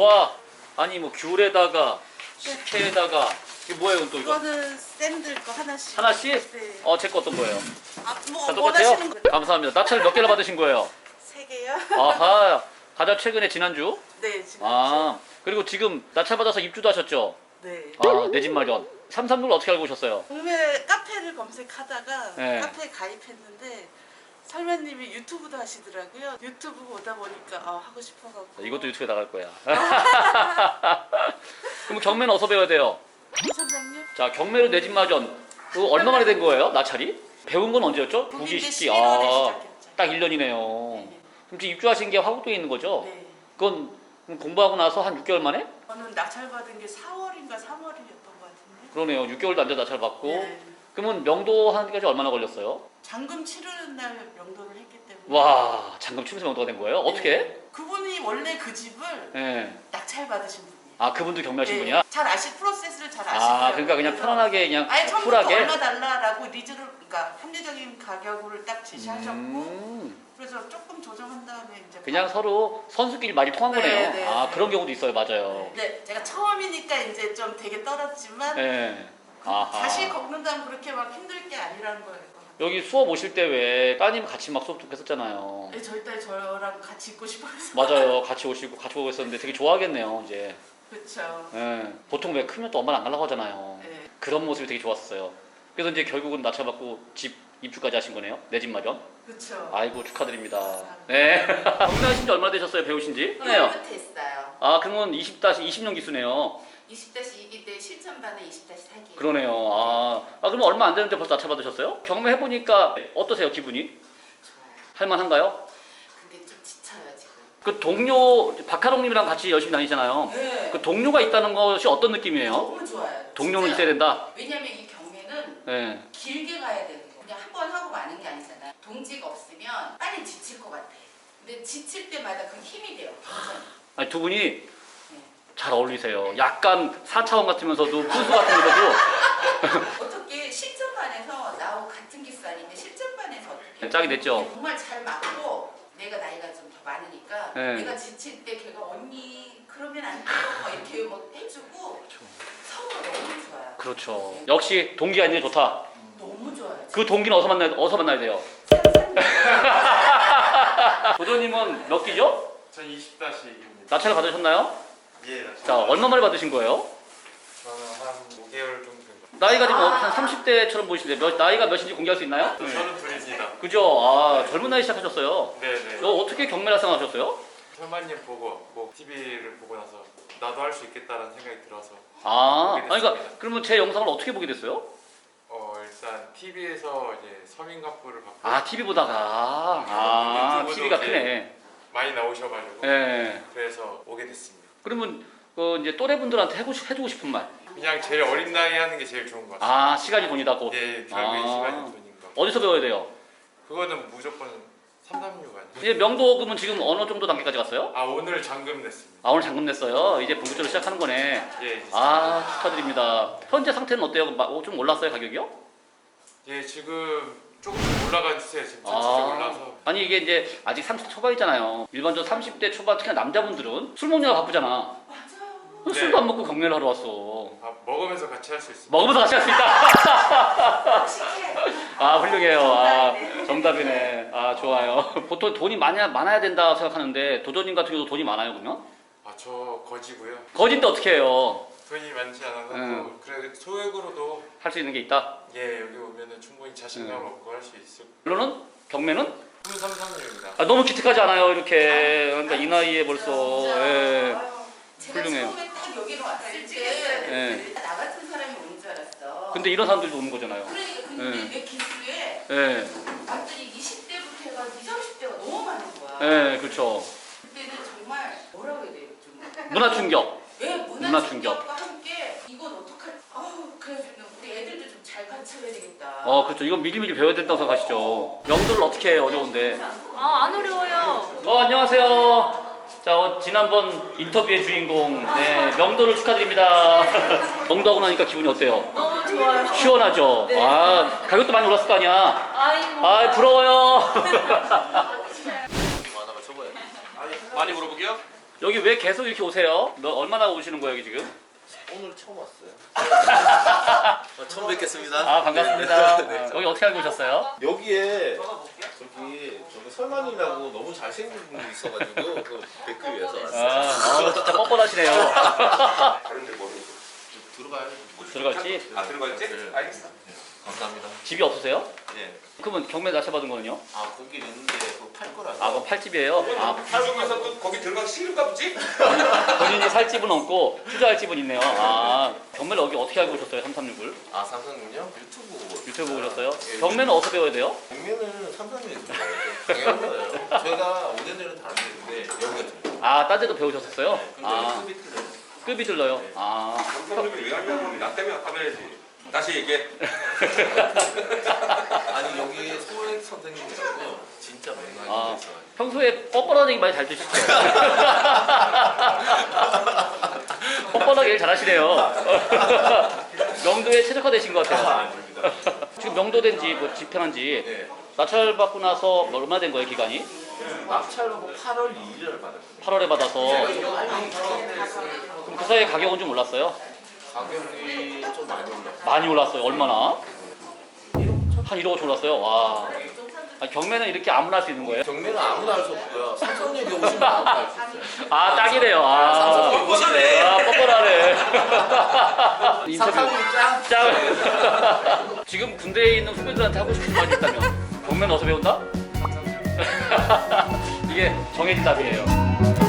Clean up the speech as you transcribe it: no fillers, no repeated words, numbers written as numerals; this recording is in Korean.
와, 아니 뭐 귤에다가 식혜에다가 이게 뭐예요 또 이거? 이거는 샌들 거 하나씩. 하나씩? 네. 제 거 어떤 거예요? 뭐 다 똑같아요? 원하시는 거. 감사합니다. 낙찰 몇 개나 받으신 거예요? 3개요? 아하, 가장 최근에 지난주? 네, 지금. 그리고 지금 낙찰 받아서 입주도 하셨죠? 네. 내 집 마련. 삼삼육을 어떻게 알고 오셨어요? 동네 카페를 검색하다가 네. 카페에 가입했는데 설매님이 유튜브도 하시더라고요. 유튜브 보다 보니까 하고 싶어갖고. 이것도 유튜브에 나갈 거야. 그럼 경매는 어디서 배워야 돼요? 선생님? 자, 경매로 내 집 마련. 그거 얼마 만에 된 거예요? 낙찰이? 배운 건 언제였죠? 국인대 국기 11월에 시작했죠. 딱 1년이네요. 네. 그럼 지금 입주하신 게 화곡동에 있는 거죠? 네. 그건 공부하고 나서 한 6개월 만에? 저는 낙찰 받은 게 4월인가 3월이었던 것 같은데. 그러네요. 6개월도 안 돼서 낙찰 받고. 네. 그러면 명도 하는데까지 얼마나 걸렸어요? 잔금 치르는 날 명도를 했기 때문에. 와, 잠금 치면서 명도가 된 거예요? 어떻게? 네. 그분이 원래 그 집을 네. 낙찰 받으신 분이에요. 그분도 경매하신 네. 분이야? 잘 프로세스를 잘 아시더라고요. 그러니까 그냥 그래서 편안하게 그냥 아예 처음부터 쿨하게? 얼마 달라라고 리즈를, 그러니까 합리적인 가격을 딱 제시하셨고 그래서 조금 조정한 다음에 이제 그냥 서로 선수끼리 말이 통한 네, 거네요. 네. 그런 경우도 있어요. 맞아요. 네, 제가 처음이니까 이제 좀 되게 떨었지만 네. 다시 걷는다면 그렇게 막 힘들 게 아니라는 거예요. 여기 수업 오실 때 왜 따님 같이 막 수업 듣고 했었잖아요. 네, 저희 딸 저랑 같이 있고 싶어서. 맞아요. 같이 오시고 같이 보고 있었는데 되게 좋아하겠네요. 이제. 그렇죠. 네. 보통 왜 크면 또 엄마는 안 가려고 하잖아요. 네. 그런 모습이 되게 좋았어요. 그래서 이제 결국은 낙찰받고 집 입주까지 하신 거네요. 내 집 마련. 그렇죠. 아이고 축하드립니다. 네. 경매하신 지 얼마나 되셨어요? 배우신 지? 네. 했어요. 그러면 20년 기수네요. 20-2기 때 실전반에 20-4기. 그러네요. 그러면 얼마 안 되는데 벌써 낙찰 받으셨어요? 경매 해보니까 어떠세요? 기분이? 좋아요. 할만한가요? 근데 좀 지쳐요 지금. 그 동료 박하롱님이랑 같이 열심히 다니잖아요. 네. 그 동료가 있다는 것이 어떤 느낌이에요? 너무 좋아요. 동료는 진짜. 있어야 된다. 왜냐면 이 경매는 네. 길게 가야 되는 거. 그냥 한 번 하고 마는 게 아니잖아요. 동지가 없으면 빨리 지칠 것 같아. 근데 지칠 때마다 그 힘이 돼요. 완전. 두 분이 잘 어울리세요. 약간 4차원 같으면서도 분수 같으면서도 어떻게 실전반에서 나하고 같은 기수 아닌데 실전반에서 어떻게 짝이 됐죠? 정말 잘 맞고 내가 나이가 좀 더 많으니까 네. 내가 지칠 때 걔가 언니 그러면 안 돼요 막 이렇게 막 해주고 서로 너무 좋아요. 그렇죠. 역시 동기 아니면 좋다. 너무 좋아요. 그 동기는 어디서 만나야 돼요? 도전님은 몇 기죠? 전 20-2입니다. 낙찰을 받으셨나요? 예, 자, 얼마 만에 받으신 거예요? 저는 한 5개월 정도 된 것 나이가 지금 한 30대처럼 보이시는데 나이가 몇인지 공개할 수 있나요? 같아요. 저는 둘입니다. 그죠? 젊은 나이 시작하셨어요. 네네. 어떻게 경매를 생각하셨어요? 설마님 보고 뭐 TV를 보고 나서 나도 할 수 있겠다라는 생각이 들어서 그러니까 그러면 제 영상을 어떻게 보게 됐어요? 일단 TV에서 이제 서민가포를 받고 TV 보다가 유튜브도 TV가 이제 크네. 많이 나오셔가지고 네. 그래서 오게 됐습니다. 그러면 이제 또래분들한테 해주고 싶은 말. 그냥 제일 어린 나이에 하는 게 제일 좋은 것 같아요. 시간이 돈이다 곧. 예, 결국에 시간이 돈인 것 같아요. 어디서 배워야 돼요? 그거는 무조건 336 아니에요? 이제 명도금은 지금 어느 정도 단계까지 갔어요? 오늘 잔금 냈습니다. 오늘 잔금 냈어요. 이제 본격적으로 시작하는 거네. 예, 이제 축하드립니다. 현재 상태는 어때요? 좀 올랐어요 가격이요? 예, 지금 조금씩 올라간 추세예요. 지금 전체적으로 올라서. 아니 이게 이제 아직 30대 초반이잖아요. 일반적으로 30대 초반 특히나 남자분들은 술 먹느라 바쁘잖아. 맞아요. 네. 술도 안 먹고 경매를 하러 왔어. 먹으면서 같이 할 수 있습니다. 먹으면서 같이 할 수 있다. 씩해. 훌륭해요. 정답이네. 좋아요. 보통 돈이 많아야 된다 생각하는데 도전님 같은 경우도 돈이 많아요 그러면? 저 거지고요. 거진데 어떻게 해요? 돈이 많지 않아서 그래 소액으로도 할 수 있는 게 있다. 여기 오면은 충분히 자신감 얻고 할 수 있을. 물론은 경매는 2336입니다. 너무 기특하지 않아요 이렇게. 그러니까 이 나이에 벌써. 예. 제가 훌륭해요. 처음에 딱 여기로 왔을 때 나 같은 사람이 오는 줄 알았어. 근데 이런 사람들도 오는 거잖아요. 그러니까 근데 내 기수에 예. 완전히 20대부터 해가지고 20, 30대가 너무 많은 거야. 예, 그렇죠. 그때는 정말 뭐라고 해야 돼요? 좀 문화 충격. 문화 문화 충격과 함께 이건 어떡할? 그래서 우리 애들도 좀 잘 가르쳐야 되겠다. 그렇죠. 이건 미리미리 배워야 된다고 생각하시죠. 명도를 어떻게 해요? 어려운데. 안 어려워요. 안녕하세요. 자, 지난번 인터뷰의 주인공, 명도를 축하드립니다. 명도하고 나니까 기분이 어때요? 너무 좋아요. 시원하죠? 네. 가격도 많이 올랐을 거 아니야? 아이고. 부러워요. 많이 물어보게요? 여기 왜 계속 이렇게 오세요? 너 얼마나 오시는 거예요 여기 지금? 오늘 처음 왔어요. 처음 뵙겠습니다. 아 반갑습니다. 네. 아, 여기 어떻게 알고 오셨어요? 여기에 저기 설만이라고 너무 잘생긴 분이 있어가지고 그 뵙기 위해서 왔어요. 진짜 뻔뻔하시네요. 다른 데 모르고. 들어가요. 들어갈지? 아 들어갔지? 네. 알겠어. 감사합니다. 집이 없으세요? 예. 그러면 경매 낙찰받은 거는요? 아 거기 있는데 그거 팔 거라서. 아 그럼 팔집이에요? 아 한국에서 또 거기 들어가기 싫은가 보지? 본인이 살 집은 없고 투자할 집은 있네요. 아 경매를 여기 어떻게 알고 오셨어요? 336을? 아 삼성은요? 유튜브 보고. 유튜브 보고 오셨어요? 예, 경매는 어디서 배워야 돼요? 경매는 삼성에서 배워요. 당연한 거예요. 제가 5년 전에 다른 데인데 여기가 들어요. 아 딴 데도 배우셨었어요? 근데 아 급이 틀려요. 급이 들러요? 아 삼성님이 왜 하냐면 나 때문에 화내야지. 다시 얘기해. 아니 여기 소액 선생님이라고 진짜 아. 맹랑이 있어요. 평소에 뻔뻔한 얘기 많이 잘 드시죠? 뻔뻔하게 일 잘하시네요. 명도에 최적화되신 것 같아요. 아닙니다. 지금 명도된 지 뭐 집행한 지 예. 낙찰 받고 나서 뭐 얼마 된 거예요 기간이? 낙찰로 8월 2일을 받았어요. 8월에 받아서 그럼 그 사이에 가격은 좀 올랐어요? 가격이 좀 많이 올랐어요. 많이 올랐어요. 얼마나? 한 1억씩 올랐어요. 와. 아니, 경매는 이렇게 아무나 할 수 있는 거예요? 경매는 아무나 할 수 없고요. 삼성역에 오시면 아무나 할 수 있어요. 아 딱이네요. 아, 삼성역 오시네. 아 뻔뻔하네. 인터뷰. 삼성역 짱. 짱. 지금 군대에 있는 후배들한테 하고 싶은 말이 있다면 경매는 어디서 배운다? 이게 정해진 답이에요.